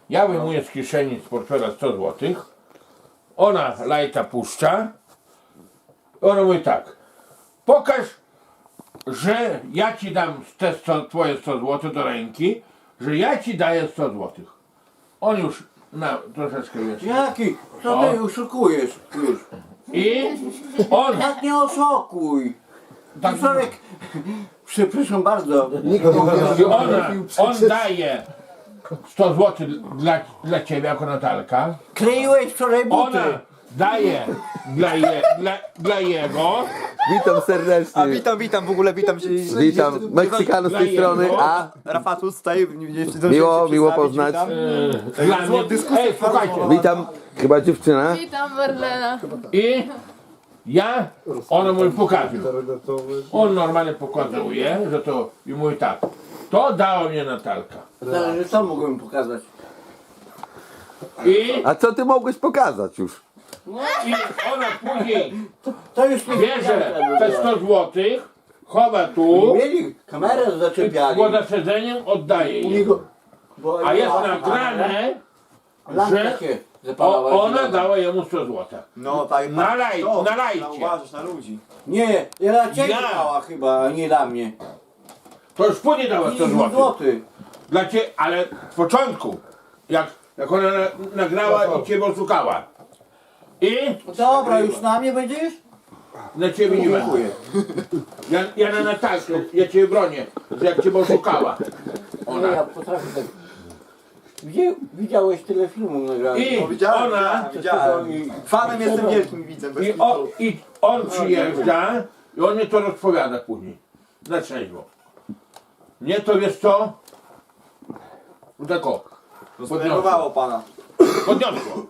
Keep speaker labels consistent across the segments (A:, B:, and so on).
A: Ja wyjmuję z kieszeni, z portfela 100 zł. Ona lajta puszcza. Ona mówi tak. Pokaż, że ja ci dam te twoje 100 zł do ręki, że ja ci daję 100 zł. On już troszeczkę wiesz.
B: Jaki? Co ty oszukujesz już?
A: I on
B: Tak nie oszukuj.
A: tak,
B: Człowiek, przepraszam bardzo.
A: i on daje 100 zł dla ciebie jako Natalka.
B: Kleiłeś wczoraj buty.
A: Ona daje dla jego.
C: Witam serdecznie.
D: Witam w ogóle, witam się.
C: Witam Meksykanów z tej strony, a
D: Rafatus tutaj.
C: miło poznać.
A: Dla mnie. Ej, słuchajcie.
C: Witam, chyba dziewczyna.
E: Witam Marlena.
A: I ona mówi pokazuj. On normalnie pokazuje, że to i mówi tak. To dała mnie Natalka.
B: Zależy co mogłem pokazać.
A: I
C: A co ty mogłeś pokazać już?
A: ona później
B: To już nie
A: bierze te 100 zł, chowa tu,
B: Mieli kamerę zaczepiali.
A: bo za siedzeniem oddaje
B: U
A: jej.
B: niego- bo
A: A jest
B: była
A: nagrane,
B: lampka
A: że
B: się zapalała.
A: ona dała jemu 100 zł.
D: No tak,
A: Na lajcie.
D: uważasz na ludzi.
B: Nie, dla ciebie
A: Ja.
B: dała chyba, a nie dla mnie.
A: To już później dała 100
B: 50
A: zł.
B: złotych.
A: Dla ciebie, ale w początku, jak ona nagrała i ciebie oszukała. I
B: No dobra, już na mnie będziesz?
A: na ciebie nie będę.
B: Dziękuję.
A: Ja na Natalkę, ja ciebie bronię, że jak ciebie oszukała.
B: No ja potrafię tak. Widziałeś tyle filmów nagranych.
A: I
D: Widziałem. Fanem jestem wielkim widzem. bez kitu.
A: I on przyjeżdża i on mnie to rozpowiada później. Na trzeźwo. Mnie to wiesz co? No tak o.
D: Zdenerwowało pana.
A: Podniosło.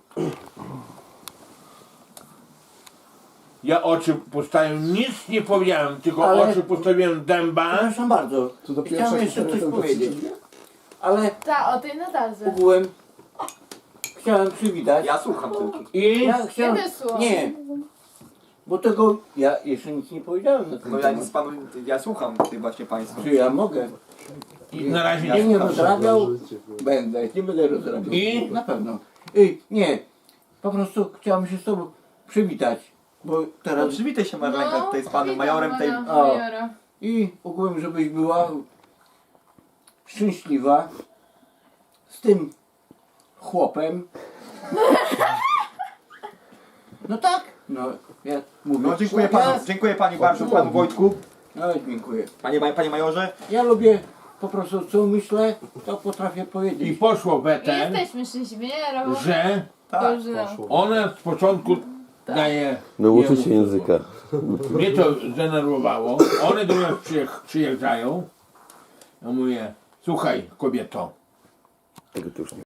A: Ja oczy postawiłem, nic nie powiedziałem, tylko
B: Ale-
A: oczy postawiłem dęba.
B: Przepraszam bardzo. Chciałem jeszcze coś powiedzieć. Ale
E: Ta, o tej Natalce.
B: ogółem chciałem przywitać.
D: Ja słucham tylko.
A: I
B: Ja chciałem.
E: Nie wysłał.
B: Nie. Bo tego ja jeszcze nic nie powiedziałem na ten
D: No ja
B: temat.
D: nic panu, ja słucham tych właśnie państwa.
B: Czy ja mogę?
A: na razie
B: Nie,
A: nie.
B: nie rozrabiał. Będę, nie będę rozrabiał.
A: I?
B: Na pewno. Nie. Po prostu chciałem się z tobą przywitać. Bo
D: No,
B: teraz.
D: przywitaj się Marlenka tutaj z panem
E: witam
D: majorem tej...
E: pana
B: O.
E: majora.
B: I ogółem, żebyś była szczęśliwa z tym chłopem. No tak. No, ja mówię.
D: No dziękuję pani bardzo, panu Wojtku.
B: No, dziękuję.
D: Panie majorze.
B: Ja lubię po prostu co myślę, to potrafię
A: I
B: powiedzieć.
A: poszło we
E: I
A: ten,
E: jesteśmy szczęśliwi, nie? Robo?
A: że
D: Tak,
E: Dobrze.
A: ona z początku daje.
C: Nauczy
A: jemu
C: się języka.
A: Mnie to zdenerwowało. One do nas przyjeżdżają. Ja mówię, słuchaj kobieto,
C: Tego to już nie.